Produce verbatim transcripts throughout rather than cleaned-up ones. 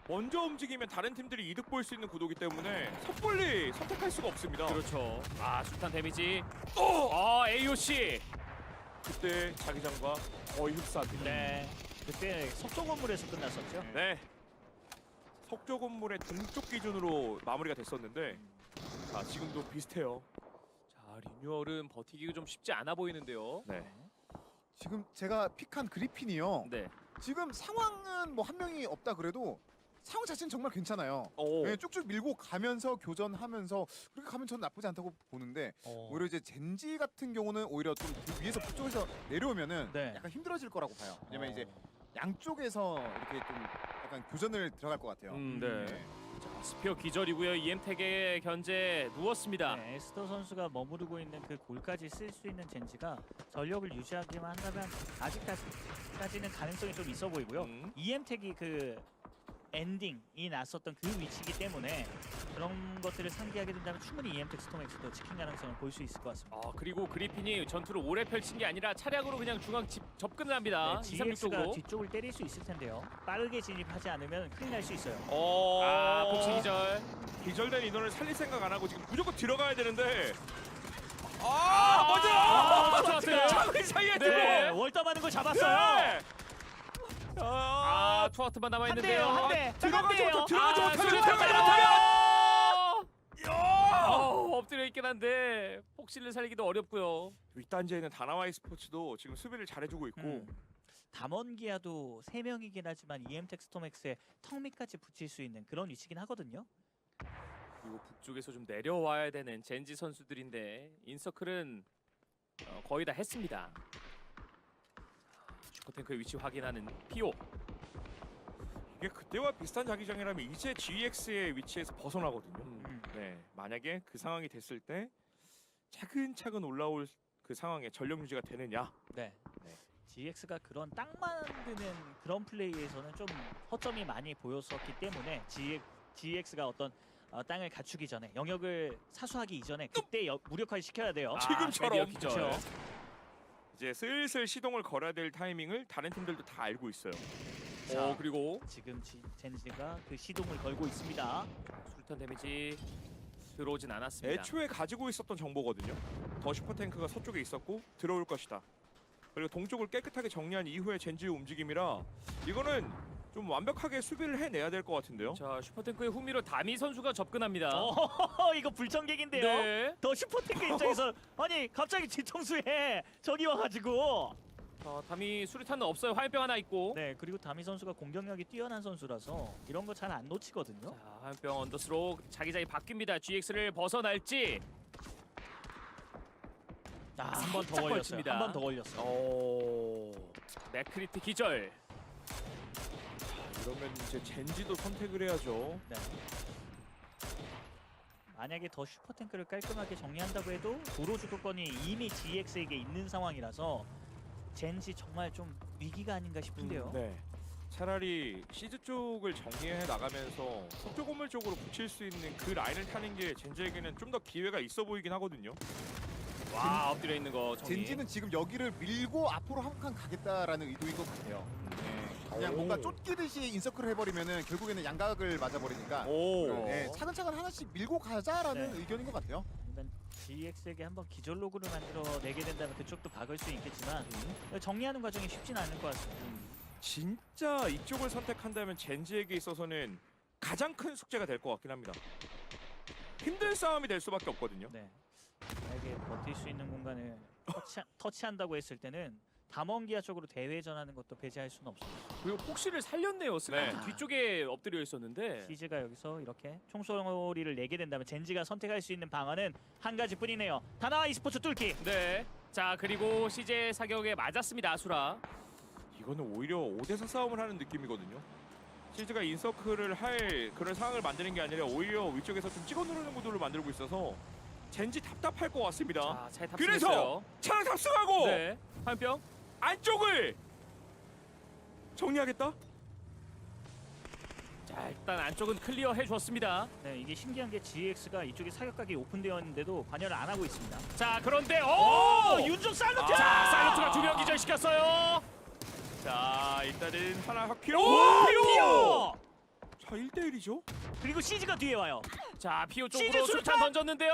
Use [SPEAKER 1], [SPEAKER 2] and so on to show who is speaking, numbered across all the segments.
[SPEAKER 1] 먼저 움직이면 다른 팀들이 이득 볼 수 있는 구도기 때문에 섣불리 선택할 수가 없습니다.
[SPEAKER 2] 그렇죠. 아 술탄 데미지.
[SPEAKER 1] 어!
[SPEAKER 2] 아 에이오씨.
[SPEAKER 1] 그때 자기장과 거의 흡사합니다.
[SPEAKER 3] 네. 그때 석조 건물에서 끝났었죠.
[SPEAKER 1] 네. 석조 건물의 동쪽 기준으로 마무리가 됐었는데 자 지금도 비슷해요.
[SPEAKER 2] 자 리뉴얼은 버티기가 좀 쉽지 않아 보이는데요.
[SPEAKER 1] 네.
[SPEAKER 4] 지금 제가 픽한 그리핀이요.
[SPEAKER 2] 네.
[SPEAKER 4] 지금 상황은 뭐 한 명이 없다 그래도 상황 자체는 정말 괜찮아요.
[SPEAKER 1] 오.
[SPEAKER 4] 네, 쭉쭉 밀고 가면서 교전하면서 그렇게 가면 저는 나쁘지 않다고 보는데
[SPEAKER 3] 어.
[SPEAKER 4] 오히려 이제 젠지 같은 경우는 오히려 좀 그 위에서 북쪽에서 내려오면은
[SPEAKER 3] 네.
[SPEAKER 4] 약간 힘들어질 거라고 봐요. 왜냐면
[SPEAKER 3] 어.
[SPEAKER 4] 이제 양쪽에서 이렇게 좀 약간 교전을 들어갈 것 같아요.
[SPEAKER 2] 음, 네.
[SPEAKER 4] 네.
[SPEAKER 2] 자, 스피어 기절이고요. 이엠텍의 견제 누웠습니다.
[SPEAKER 3] 네, 에스더 선수가 머무르고 있는 그 골까지 쓸 수 있는 젠지가 전력을 유지하기만 한다면 아직까지는 가능성이 좀 있어 보이고요.
[SPEAKER 1] 음.
[SPEAKER 3] 이엠텍이 그 엔딩이 났었던 그 위치이기 때문에 그런 것들을 상기하게 된다면 충분히 이엠텍 스톰엑스도 지킨 가능성을 볼 수 있을 것 같습니다.
[SPEAKER 2] 아 그리고 그리핀이 전투를 오래 펼친 게 아니라 차량으로 그냥 중앙 집, 접근을 합니다.
[SPEAKER 3] 네,
[SPEAKER 2] 이삼육
[SPEAKER 3] 지엑스가
[SPEAKER 2] 쪽으로.
[SPEAKER 3] 뒤쪽을 때릴 수 있을 텐데요. 빠르게 진입하지 않으면 큰일 날 수 있어요.
[SPEAKER 1] 어.
[SPEAKER 2] 아 복싱 기절.
[SPEAKER 1] 기절된 인원을 살릴 생각 안 하고 지금 무조건 들어가야 되는데. 아,
[SPEAKER 2] 아,
[SPEAKER 1] 먼저.
[SPEAKER 2] 아, 좋았어요.
[SPEAKER 1] 차의 사이에
[SPEAKER 2] 네.
[SPEAKER 1] 들어.
[SPEAKER 3] 월담하는 거 잡았어요.
[SPEAKER 1] 네.
[SPEAKER 2] 아
[SPEAKER 1] 아,
[SPEAKER 2] 투아트만 남아
[SPEAKER 3] 한
[SPEAKER 2] 있는데요.
[SPEAKER 3] 대요, 한 대.
[SPEAKER 1] 들어가지
[SPEAKER 3] 한 대요.
[SPEAKER 1] 못하고 들어가지
[SPEAKER 2] 아,
[SPEAKER 1] 못하고
[SPEAKER 2] 수류탄
[SPEAKER 1] 들어가지
[SPEAKER 2] 들어가요.
[SPEAKER 1] 못하고. 야!
[SPEAKER 2] 어, 엎드려 있긴 한데 폭신을 살리기도 어렵고요.
[SPEAKER 1] 윗단지에는 다나와이 스포츠도 지금 수비를 잘해주고 있고.
[SPEAKER 3] 음. 담원기아도 세 명이긴 하지만 이엠텍 스톰엑스의 턱 밑까지 붙일 수 있는 그런 위치긴 하거든요.
[SPEAKER 2] 그리고 북쪽에서 좀 내려와야 되는 젠지 선수들인데 인서클은 어, 거의 다 했습니다. 슈퍼탱크의 위치 확인하는 피오.
[SPEAKER 1] 이게 그때와 비슷한 자기장이라면 이제 지엑스의 위치에서 벗어나거든요.
[SPEAKER 3] 음.
[SPEAKER 1] 네, 만약에 그 상황이 됐을 때 차근차근 올라올 그 상황에 전력 유지가 되느냐.
[SPEAKER 3] 네.
[SPEAKER 1] 네.
[SPEAKER 3] 지엑스가 그런 땅 만드는 그런 플레이에서는 좀 허점이 많이 보였었기 때문에 지엑스가 어떤 어, 땅을 갖추기 전에 영역을 사수하기 이전에 그때 여, 무력화를 시켜야 돼요.
[SPEAKER 2] 아,
[SPEAKER 1] 지금처럼.
[SPEAKER 2] 드디어 기절.
[SPEAKER 3] 그렇죠.
[SPEAKER 1] 이제 슬슬 시동을 걸어야 될 타이밍을 다른 팀들도 다 알고 있어요.
[SPEAKER 3] 자,
[SPEAKER 2] 어 그리고
[SPEAKER 3] 지금 지, 젠지가 그 시동을 걸고 있습니다.
[SPEAKER 2] 수류탄 데미지 들어오진 않았습니다.
[SPEAKER 1] 애초에 가지고 있었던 정보거든요. 더 슈퍼탱크가 서쪽에 있었고 들어올 것이다. 그리고 동쪽을 깨끗하게 정리한 이후의 젠지의 움직임이라 이거는 좀 완벽하게 수비를 해내야 될 것 같은데요.
[SPEAKER 2] 자 슈퍼탱크의 후미로 다미 선수가 접근합니다.
[SPEAKER 3] 어, 이거 불청객인데요.
[SPEAKER 2] 네.
[SPEAKER 3] 더 슈퍼탱크 입장에서 아니 갑자기 뒤통수에 적이 와가지고
[SPEAKER 2] 자 다미 수류탄은 없어요. 화염병 하나 있고.
[SPEAKER 3] 네 그리고 다미 선수가 공격력이 뛰어난 선수라서 이런 거 잘 안 놓치거든요.
[SPEAKER 2] 자 화염병 언더스로 자기장이 바뀝니다. 지엑스를 벗어날지.
[SPEAKER 3] 아, 한 번 더
[SPEAKER 2] 살짝
[SPEAKER 3] 걸렸어요.
[SPEAKER 2] 걸칩니다.
[SPEAKER 3] 한 번 더 걸렸어요.
[SPEAKER 2] 오 맥크리트 기절.
[SPEAKER 1] 이러면 이제 젠지도 선택을 해야죠.
[SPEAKER 3] 네. 만약에 더 슈퍼탱크를 깔끔하게 정리한다고 해도 도로 주도권이 이미 지엑스에게 있는 상황이라서 젠지 정말 좀 위기가 아닌가 싶은데요.
[SPEAKER 1] 네. 차라리 시즈 쪽을 정리해 나가면서 석조 건물 쪽으로 붙일 수 있는 그 라인을 타는 게 젠지에게는 좀 더 기회가 있어 보이긴 하거든요.
[SPEAKER 2] 와 엎드려 있는 거 정리.
[SPEAKER 4] 젠지는 지금 여기를 밀고 앞으로 한 칸 가겠다라는 의도인 것 같아요. 네. 그냥
[SPEAKER 1] 오.
[SPEAKER 4] 뭔가 쫓기듯이 인서클을 해버리면은 결국에는 양각을 맞아버리니까
[SPEAKER 1] 오.
[SPEAKER 4] 네, 차근차근 하나씩 밀고 가자라는
[SPEAKER 3] 네.
[SPEAKER 4] 의견인 것 같아요.
[SPEAKER 3] 아니면 지엑스에게 한번 기절 로그를 만들어 내게 된다면 그쪽도 박을 수 있겠지만 정리하는 과정이 쉽진 않을 것 같습니다.
[SPEAKER 1] 진짜 이쪽을 선택한다면 젠지에게 있어서는 가장 큰 숙제가 될 것 같긴 합니다. 힘든 싸움이 될 수밖에 없거든요.
[SPEAKER 3] 네. 만약에 버틸 수 있는 공간을 터치, 터치한다고 했을 때는 담원기아 쪽으로 대회전하는 것도 배제할 수는 없습니다.
[SPEAKER 2] 그리고 폭시를 살렸네요. 스카트
[SPEAKER 1] 네.
[SPEAKER 2] 뒤쪽에 엎드려 있었는데.
[SPEAKER 3] 시즈가 여기서 이렇게 총소리를 내게 된다면 젠지가 선택할 수 있는 방안은 한 가지뿐이네요. 다나와 e스포츠 뚫기.
[SPEAKER 2] 네. 자 그리고 시제 사격에 맞았습니다. 아수라.
[SPEAKER 1] 이거는 오히려 오 대 사 싸움을 하는 느낌이거든요. 시즈가 인서클을 할 그런 상황을 만드는 게 아니라 오히려 위쪽에서 좀 찍어 누르는 구도를 만들고 있어서 젠지 답답할 것 같습니다.
[SPEAKER 2] 자, 잘
[SPEAKER 1] 그래서
[SPEAKER 2] 탑승했어요.
[SPEAKER 1] 차량 탑승하고
[SPEAKER 2] 네. 화염병.
[SPEAKER 1] 안쪽을 정리하겠다.
[SPEAKER 2] 자 일단 안쪽은 클리어 해줬습니다.
[SPEAKER 3] 네, 이게 신기한 게 지엑스가 이쪽에 사격각이 오픈되어 있는데도 관여를 안 하고 있습니다.
[SPEAKER 2] 자 그런데 오!
[SPEAKER 3] 오! 윤종 살루트!
[SPEAKER 2] 자 사이런트가 두 명 기절시켰어요.
[SPEAKER 1] 자 일단은 하나 확 피로.
[SPEAKER 2] 오! 피오!
[SPEAKER 1] 자 자, 일 대 일이죠.
[SPEAKER 3] 그리고 시즈가 뒤에 와요.
[SPEAKER 2] 자, 피오
[SPEAKER 3] 시즈
[SPEAKER 2] 쪽으로
[SPEAKER 3] 수류탄!
[SPEAKER 2] 수류탄 던졌는데요.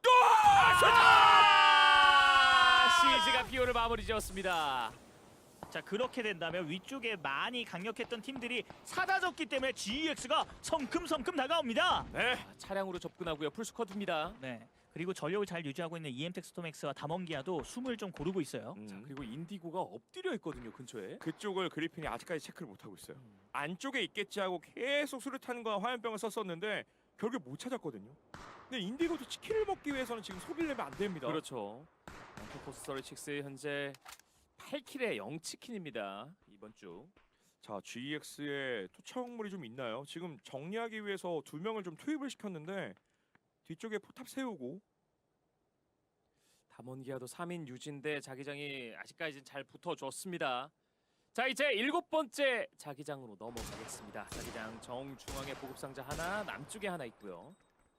[SPEAKER 2] 아, 시즈가 피오를 마무리 지었습니다.
[SPEAKER 3] 자, 그렇게 된다면 위쪽에 많이 강력했던 팀들이 사라졌기 때문에 지이엑스가 성큼성큼 다가옵니다.
[SPEAKER 1] 네.
[SPEAKER 2] 아, 차량으로 접근하고요. 풀스쿼드입니다.
[SPEAKER 3] 네. 그리고 전력을 잘 유지하고 있는 이엠텍 스톰엑스와 다먼기아도 숨을 좀 고르고 있어요.
[SPEAKER 1] 음.
[SPEAKER 2] 자, 그리고 인디고가 엎드려 있거든요, 근처에.
[SPEAKER 1] 그쪽을 그리핀이 아직까지 체크를 못 하고 있어요.
[SPEAKER 2] 음.
[SPEAKER 1] 안쪽에 있겠지 하고 계속 수류탄과 화염병을 썼었는데 결국 못 찾았거든요. 근데 인디고도 치킨을 먹기 위해서는 지금 소비를 내면 안 됩니다.
[SPEAKER 2] 그렇죠. 런터포스 서리칙스 현재 팔 킬에 영 치킨입니다. 이번 주.
[SPEAKER 1] 자, 지이엑스의 투척물이 좀 있나요? 지금 정리하기 위해서 두 명을 좀 투입을 시켰는데 뒤쪽에 포탑 세우고
[SPEAKER 2] 담원기아도 삼 인 유지인데 자기장이 아직까지는 잘 붙어줬습니다. 자, 이제 일곱 번째 자기장으로 넘어가겠습니다. 자기장 정중앙에 보급상자 하나, 남쪽에 하나 있고요.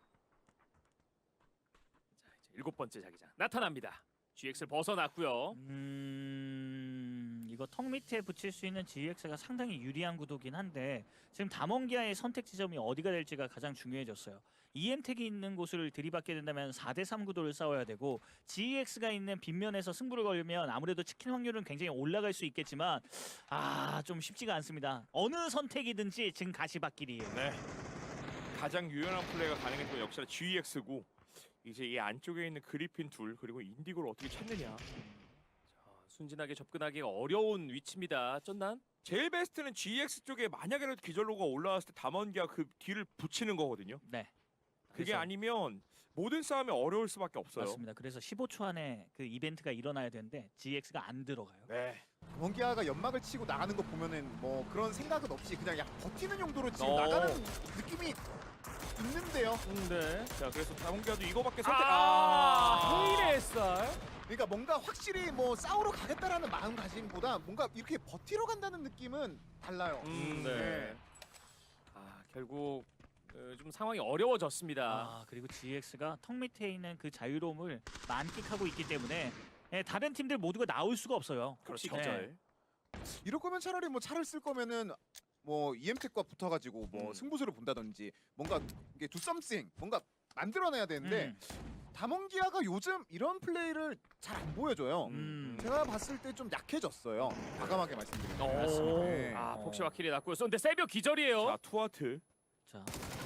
[SPEAKER 2] 자, 이제 일곱 번째 자기장 나타납니다. 지엑스를 벗어났고요.
[SPEAKER 3] 음... 이거 턱 밑에 붙일 수 있는 지이엑스가 상당히 유리한 구도긴 한데 지금 다먼기아의 선택 지점이 어디가 될지가 가장 중요해졌어요. 이엠텍이 있는 곳을 들이받게 된다면 사 대 삼 구도를 싸워야 되고 지이엑스가 있는 빗면에서 승부를 걸면 아무래도 치킨 확률은 굉장히 올라갈 수 있겠지만 아, 좀 쉽지가 않습니다. 어느 선택이든지 지금 가시밭길이에요.
[SPEAKER 1] 네. 가장 유연한 플레이가 가능했던 건 역시나 지이엑스고 이제 이 안쪽에 있는 그리핀 둘 그리고 인디고를 어떻게 찾느냐.
[SPEAKER 2] 자, 순진하게 접근하기가 어려운 위치입니다. 쩐난?
[SPEAKER 1] 제일 베스트는 지이엑스 쪽에 만약에라도 기절로가 올라왔을 때 담원기가 그 뒤를 붙이는 거거든요.
[SPEAKER 3] 네.
[SPEAKER 1] 그게
[SPEAKER 3] 그래서-
[SPEAKER 1] 아니면 모든 싸움이 어려울 수밖에 없어요.
[SPEAKER 3] 맞습니다. 그래서 십오 초 안에 그 이벤트가 일어나야 되는데 지이엑스가 안 들어가요.
[SPEAKER 1] 네.
[SPEAKER 4] 원기아가 연막을 치고 나가는 거 보면은 뭐 그런 생각은 없이 그냥 약 버티는 용도로 지금
[SPEAKER 1] 어.
[SPEAKER 4] 나가는 느낌이 있는데요.
[SPEAKER 2] 음, 네.
[SPEAKER 1] 자, 그래서 담원기아도 이거밖에 선택.
[SPEAKER 2] 아, 헤일의 쌀.
[SPEAKER 4] 그러니까 뭔가 확실히 뭐 싸우러 가겠다라는 마음가짐보다 뭔가 이렇게 버티러 간다는 느낌은 달라요.
[SPEAKER 1] 음,
[SPEAKER 2] 네.
[SPEAKER 4] 네.
[SPEAKER 2] 아, 결국 어, 좀 상황이 어려워졌습니다.
[SPEAKER 3] 아, 그리고 지이엑스가 턱 밑에 있는 그 자유로움을 만끽하고 있기 때문에 예, 다른 팀들 모두가 나올 수가 없어요.
[SPEAKER 1] 그렇죠.
[SPEAKER 3] 네.
[SPEAKER 1] 기절.
[SPEAKER 4] 이럴 거면 차라리 뭐 차를 쓸 거면은 뭐 이엠텍과 붙어가지고 뭐
[SPEAKER 1] 음.
[SPEAKER 4] 승부수를 본다든지 뭔가 이게 do something 뭔가 만들어내야 되는데
[SPEAKER 3] 음.
[SPEAKER 4] 다몽기아가 요즘 이런 플레이를 잘 안 보여줘요.
[SPEAKER 3] 음.
[SPEAKER 4] 제가 봤을 때 좀 약해졌어요. 과감하게 말씀드리면.
[SPEAKER 2] 오.
[SPEAKER 3] 맞습니다.
[SPEAKER 4] 네.
[SPEAKER 2] 아,
[SPEAKER 3] 어.
[SPEAKER 2] 폭시와 킬이 났고요. 근데 세비오 기절이에요.
[SPEAKER 1] 자, 투하트.
[SPEAKER 3] 자,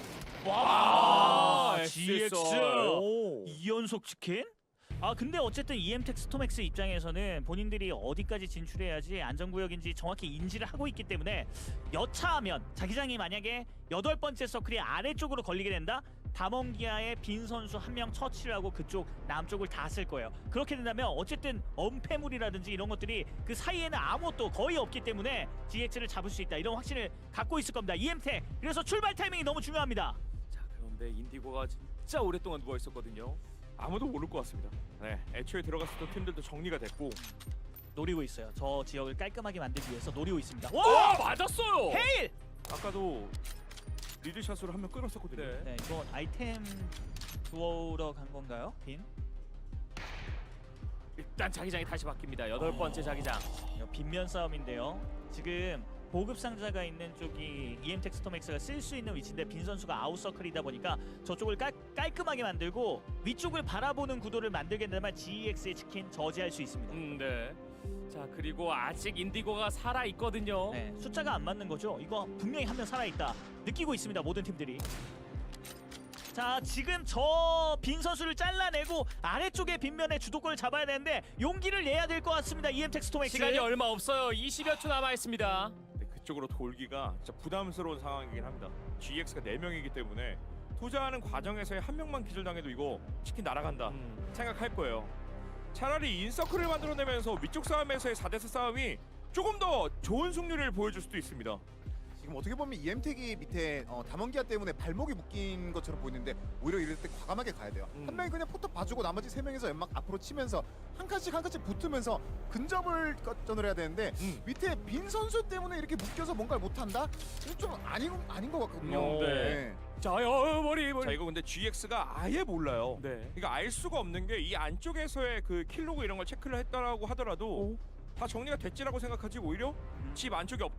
[SPEAKER 2] 와,
[SPEAKER 3] 아, 지이엑스
[SPEAKER 1] 오.
[SPEAKER 3] 이 연속 치킨? 아, 근데 어쨌든 이엠텍 스톰엑스 입장에서는 본인들이 어디까지 진출해야지 안전구역인지 정확히 인지를 하고 있기 때문에 여차하면 자기장이 만약에 여덟 번째 서클이 아래쪽으로 걸리게 된다? 다먼기아의 빈 선수 한 명 처치를 하고 그쪽 남쪽을 다 쓸 거예요. 그렇게 된다면 어쨌든 엄폐물이라든지 이런 것들이 그 사이에는 아무것도 거의 없기 때문에 지이엑스를 잡을 수 있다. 이런 확신을 갖고 있을 겁니다. 이엠텍. 그래서 출발 타이밍이 너무 중요합니다.
[SPEAKER 2] 자, 그런데 인디고가 진짜 오랫동안 누워 있었거든요.
[SPEAKER 1] 아무도 모를 것 같습니다. 네. 애초에 들어갔었던 팀들도 정리가 됐고.
[SPEAKER 3] 노리고 있어요. 저 지역을 깔끔하게 만들기 위해서 노리고 있습니다.
[SPEAKER 2] 와, 맞았어요.
[SPEAKER 3] 헤일!
[SPEAKER 1] 아까도 리드샷으로 한 명 끌었었거든요.
[SPEAKER 2] 네.
[SPEAKER 3] 네, 이거 아이템 주워러 간 건가요? 빈?
[SPEAKER 2] 일단 자기장이 다시 바뀝니다. 여덟 번째 자기장.
[SPEAKER 3] 이거 빈면 싸움인데요. 지금 보급 상자가 있는 쪽이 이엠텍 스톰엑스가 쓸 수 있는 위치인데 빈 선수가 아웃서클이다 보니까 저쪽을 깔, 깔끔하게 만들고 위쪽을 바라보는 구도를 만들게 된다면 지이엑스의 치킨 저지할 수 있습니다.
[SPEAKER 2] 음, 네. 자, 그리고 아직 인디고가 살아 있거든요.
[SPEAKER 3] 네, 숫자가 안 맞는 거죠. 이거 분명히 한 명 살아있다. 느끼고 있습니다. 모든 팀들이. 자, 지금 저 빈 선수를 잘라내고 아래쪽에 빈면에 주도권을 잡아야 되는데 용기를 내야 될 것 같습니다. 이엠텍 스톰엑스.
[SPEAKER 2] 시간이 얼마 없어요. 이십여 초 남아 있습니다.
[SPEAKER 1] 네, 그쪽으로 돌기가 진짜 부담스러운 상황이긴 합니다. 지이엑스가 네 명이기 때문에 투자하는 과정에서의 한 명만 기절당해도 이거 치킨 날아간다
[SPEAKER 2] 음.
[SPEAKER 1] 생각할 거예요. 차라리 인서클을 만들어내면서 위쪽 싸움에서의 사 대 사 싸움이 조금 더 좋은 승률을 보여줄 수도 있습니다.
[SPEAKER 4] 지금 어떻게 보면 이엠텍이 밑에 어, 다몽기아 때문에 발목이 묶인 것처럼 보이는데 오히려 이럴 때 과감하게 가야 돼요.
[SPEAKER 2] 음.
[SPEAKER 4] 한 명이 그냥 포탑 봐주고 나머지 세 명이서 연막 앞으로 치면서 한 칸씩 한 칸씩 붙으면서 근접을 거전을 해야 되는데
[SPEAKER 1] 음.
[SPEAKER 4] 밑에 빈 선수 때문에 이렇게 묶여서 뭔가를 못한다? 이건 좀 아닌 아닌 것 같거든요.
[SPEAKER 2] 음, 네. 자, 어, 머리 머리.
[SPEAKER 1] 자, 이거 근데 지이엑스가 아예 몰라요.
[SPEAKER 2] 네.
[SPEAKER 1] 그러니까 알 수가 없는 게 이 안쪽에서의 그 킬로그 이런 걸 체크를 했다라고 하더라도 다 정리가 됐지라고 생각하지 오히려 집 안쪽에 없다?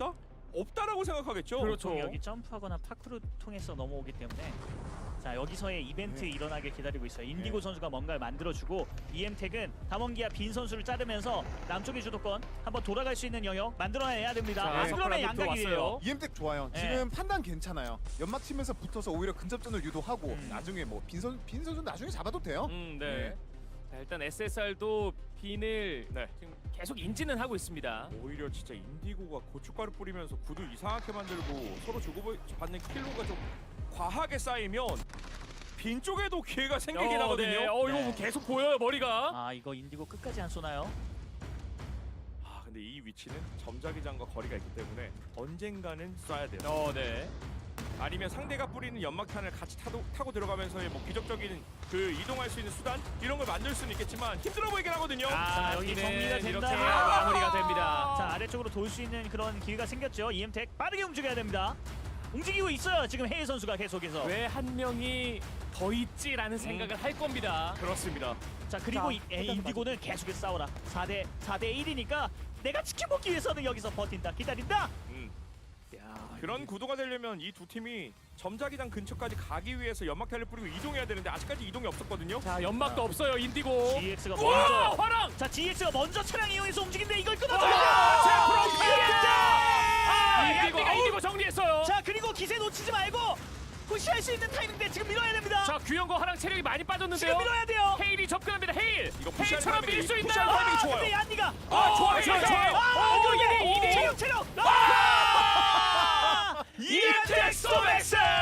[SPEAKER 1] 없다라고 생각하겠죠.
[SPEAKER 2] 그렇죠.
[SPEAKER 3] 여기 점프하거나 파크를 통해서 넘어오기 때문에 자 여기서의 이벤트
[SPEAKER 4] 네.
[SPEAKER 3] 일어나길 기다리고 있어요. 인디고
[SPEAKER 4] 네.
[SPEAKER 3] 선수가 뭔가를 만들어주고 이엠텍은 다mon기아 빈 선수를 자르면서 남쪽의 주도권 한번 돌아갈 수 있는 영역 만들어내야 됩니다.
[SPEAKER 2] 자,
[SPEAKER 3] 아, 그러면
[SPEAKER 2] 서클
[SPEAKER 3] 양각이에요.
[SPEAKER 2] 왔어요.
[SPEAKER 4] 이엠텍 좋아요.
[SPEAKER 3] 네.
[SPEAKER 4] 지금 판단 괜찮아요. 연막 치면서 붙어서 오히려 근접전을 유도하고
[SPEAKER 3] 음.
[SPEAKER 4] 나중에 뭐 빈선 빈 선수 나중에 잡아도 돼요.
[SPEAKER 2] 음, 네.
[SPEAKER 4] 네.
[SPEAKER 2] 자, 일단 에스에스알도 빈을
[SPEAKER 1] 네.
[SPEAKER 2] 지금 계속 인지는 하고 있습니다.
[SPEAKER 1] 오히려 진짜 인디고가 고춧가루 뿌리면서 구두 이상하게 만들고 서로 주고받는 킬로가 좀 과하게 쌓이면 빈 쪽에도 기회가 생기긴
[SPEAKER 2] 어,
[SPEAKER 1] 하거든요.
[SPEAKER 2] 네. 어, 이거
[SPEAKER 3] 네.
[SPEAKER 2] 뭐 계속 보여요, 머리가.
[SPEAKER 3] 아 이거 인디고 끝까지 안 쏘나요?
[SPEAKER 1] 아 근데 이 위치는 점자기장과 거리가 있기 때문에 언젠가는 쏴야 돼요.
[SPEAKER 2] 어, 네.
[SPEAKER 1] 아니면 상대가 뿌리는 연막탄을 같이 타도, 타고 들어가면서의 뭐 기적적인 그 이동할 수 있는 수단 이런 걸 만들 수는 있겠지만 힘들어 보이긴 하거든요.
[SPEAKER 2] 아,
[SPEAKER 3] 자, 여기
[SPEAKER 2] 여기는
[SPEAKER 3] 정리가
[SPEAKER 2] 이렇게
[SPEAKER 3] 된다면-
[SPEAKER 2] 마무리가 됩니다.
[SPEAKER 3] 자 아래쪽으로 돌 수 있는 그런 기회가 생겼죠. 이엠텍 빠르게 움직여야 됩니다. 움직이고 있어요. 지금 헤이 선수가 계속해서.
[SPEAKER 2] 왜 한 명이 더 있지라는 생각을 할 겁니다.
[SPEAKER 1] 그렇습니다.
[SPEAKER 3] 자 그리고
[SPEAKER 2] 자,
[SPEAKER 3] 이, 에, 인디고는 계속해서 싸워라. 사 대 사 대 일이니까 내가 지켜먹기 위해서는 여기서 버틴다. 기다린다.
[SPEAKER 1] 음.
[SPEAKER 3] 야,
[SPEAKER 1] 그런 구도가 되려면 이 두 팀이 점자기장 근처까지 가기 위해서 연막탄을 뿌리고 이동해야 되는데 아직까지 이동이 없었거든요.
[SPEAKER 2] 자, 연막도 없어요, 인디고.
[SPEAKER 3] 지엑스가
[SPEAKER 2] 우와,
[SPEAKER 3] 먼저.
[SPEAKER 2] 화랑!
[SPEAKER 3] 자 지엑스가 먼저 차량 이용해서 움직이는데 이걸 끊어줘야
[SPEAKER 2] 자,
[SPEAKER 3] 돼요.
[SPEAKER 2] 아,
[SPEAKER 3] 이엠텍!
[SPEAKER 2] 인디가 인디고 정리했어요.
[SPEAKER 3] 자 그리고 기세 놓치지 말고 푸시할 수 있는 타이밍인데 지금 밀어야 됩니다.
[SPEAKER 2] 자, 규현과 화랑 체력이 많이
[SPEAKER 3] 지금
[SPEAKER 2] 빠졌는데요.
[SPEAKER 3] 밀어야 돼요.
[SPEAKER 2] 헤일이 접근합니다. 헤일.
[SPEAKER 1] 이거 푸시할
[SPEAKER 2] 헤일처럼
[SPEAKER 1] 타이밍이-
[SPEAKER 2] 밀 수
[SPEAKER 1] 푸시할
[SPEAKER 2] 있나요?
[SPEAKER 1] 타이밍이
[SPEAKER 3] 아,
[SPEAKER 1] 좋아요.
[SPEAKER 3] 근데 얀디가
[SPEAKER 2] 아, 좋아요, 좋아요, 좋아요.
[SPEAKER 3] 아,
[SPEAKER 2] 오,
[SPEAKER 3] 이거
[SPEAKER 2] 이 대 이 대 이.
[SPEAKER 3] 체력 체력. 아!
[SPEAKER 2] 이엠텍 소맥스!